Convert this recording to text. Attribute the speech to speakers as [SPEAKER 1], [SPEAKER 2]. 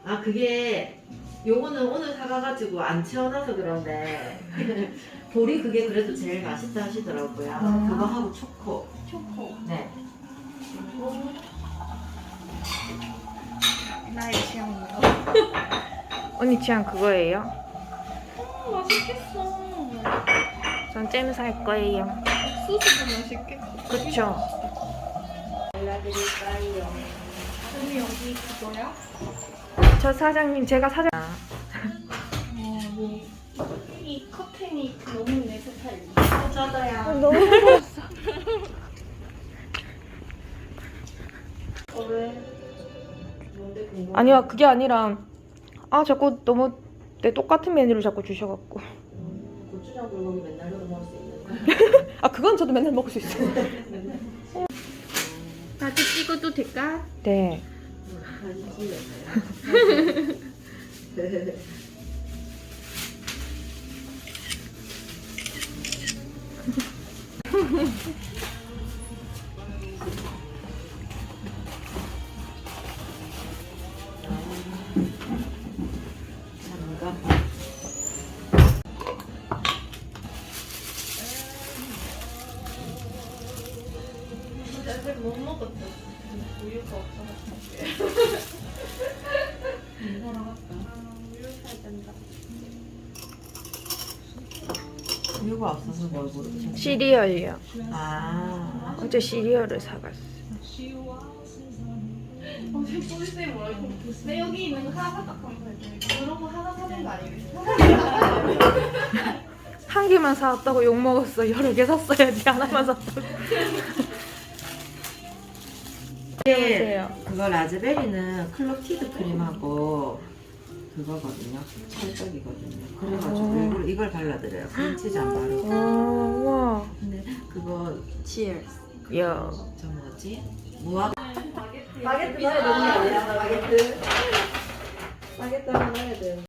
[SPEAKER 1] 아 그게 요거는 오늘 사가가지고 안 채워놔서 그런데 볼이 그게 그래도 제일 맛있다 하시더라고요. 그거 하고 초코.
[SPEAKER 2] 초코.
[SPEAKER 1] 네.
[SPEAKER 2] 그리고 나의 취향이요.
[SPEAKER 3] 언니 취향 그거예요?
[SPEAKER 2] 맛있겠어.
[SPEAKER 3] 전 잼 살 거예요.
[SPEAKER 2] 옥수수도 맛있겠어.
[SPEAKER 3] 그쵸?
[SPEAKER 1] 발라드릴까요?
[SPEAKER 2] 언니 여기 그거야?
[SPEAKER 3] 저 사장님, 제가 사장.
[SPEAKER 2] 뭐, 이 커튼이 너무 내 스타일이야.
[SPEAKER 1] 저도요.
[SPEAKER 3] 너무 무서웠어.
[SPEAKER 1] 왜? 뭔데 궁금해?
[SPEAKER 3] 아니요, 그게 아니라, 자꾸 너무 내 똑같은 메뉴를 자꾸 주셔갖고.
[SPEAKER 1] 고추장 불고기 맨날 넣어 먹을 수 있는 거.
[SPEAKER 3] 그건 저도 맨날 먹을 수 있어요.
[SPEAKER 2] 나도 찍어도 될까?
[SPEAKER 3] 네.
[SPEAKER 1] 잠깐.
[SPEAKER 2] 아직 못 먹었어. 우유가 없어서. 우유 사야 된다.
[SPEAKER 1] 이유가 없어서 뭘 모르겠어.
[SPEAKER 3] 시리얼이요.
[SPEAKER 1] 아.
[SPEAKER 3] 어제 시리얼을 사갔어요.
[SPEAKER 2] 어제 꼴쌤 뭐라 이거 내 여기 있는 거 하나 딱 하면 돼. 그런 거 하나 사는 거 아니겠어?
[SPEAKER 3] 한 개만 사왔다고 욕 먹었어. 여러 개 샀어야지. 하나만 샀다고.
[SPEAKER 1] 네, 그거 라즈베리는 클로티드 크림하고 그거거든요. 찰떡이거든요. 그래가지고 일부러 이걸 발라드려요. 크림치즈 안 바르고.
[SPEAKER 3] 와.
[SPEAKER 1] 근데 그거 치얼스.
[SPEAKER 3] 야.
[SPEAKER 1] 저 뭐지? 무화.
[SPEAKER 2] 바게트 넣어야 되는 거 아니야?
[SPEAKER 1] 바게트. 바게트 하나 넣어야 돼.